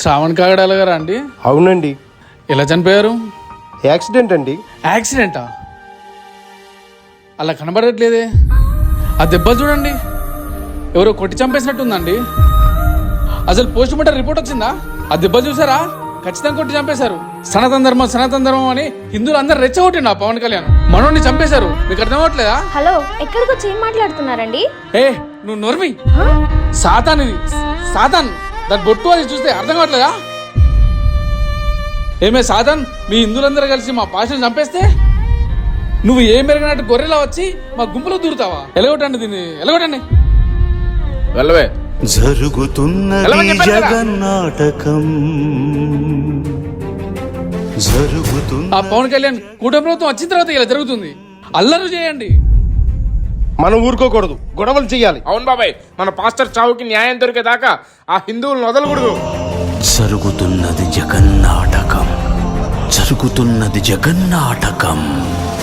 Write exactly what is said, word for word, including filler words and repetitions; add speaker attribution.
Speaker 1: శ్రావణ్ కాగడాల గారా అండి?
Speaker 2: అవునండి.
Speaker 1: ఎలా చనిపోయారు?
Speaker 2: యాక్సిడెంట్ అండి.
Speaker 1: యాక్సిడెంటా? అలా కనబడట్లేదే. ఆ దెబ్బలు చూడండి, ఎవరో కొట్టి చంపేసినట్టుందండి. అసలు పోస్ట్ మార్టం రిపోర్ట్ వచ్చిందా? ఆ దెబ్బలు చూసారా? ఖచ్చితంగా కొట్టి చంపేశారు. సనాతన ధర్మం సనాతన ధర్మం అని హిందువులు అందరు రెచ్చగొట్టిండు ఆ పవన్ కళ్యాణ్. మనోడిని చంపేశారు. మీకు అర్థం అవ్వట్లేదా?
Speaker 3: హలో, ఎక్కడికి వచ్చి ఏం మాట్లాడుతున్నారండి?
Speaker 1: ఏ నువ్వు నోర్మి. సాతాన్ ఇది, సాతాన్. దాని బొట్టు అది చూస్తే అర్థం కావట్లేదా? ఏమే సాతాన్, మీ హిందువులందరూ కలిసి మా పాషను చంపేస్తే నువ్వు ఏం పెరిగినట్టు గొర్రెలా వచ్చి మా గుంపులో దూరుతావా? ఎలగొట్టండి దీన్ని, ఎలగొట్టండి. వెళ్ళవే.
Speaker 4: జరుగుతున్నది జగన్నాటకం, జరుగుతున్న
Speaker 1: ఆ పవన్ కళ్యాణ్ కూటమి ప్రభుత్వం వచ్చిన తర్వాత ఇలా జరుగుతుంది. అల్లరు చేయండి,
Speaker 2: మనం ఊరుకోకూడదు, గొడవలు చెయ్యాలి.
Speaker 5: అవును బాబాయ్, మన పాస్టర్ చావుకి న్యాయం దొరికేదాకా ఆ హిందువులను వదలకూడదు.
Speaker 4: జరుగుతున్నది జగన్నాటకం, జరుగుతున్నది జగన్నాటకం.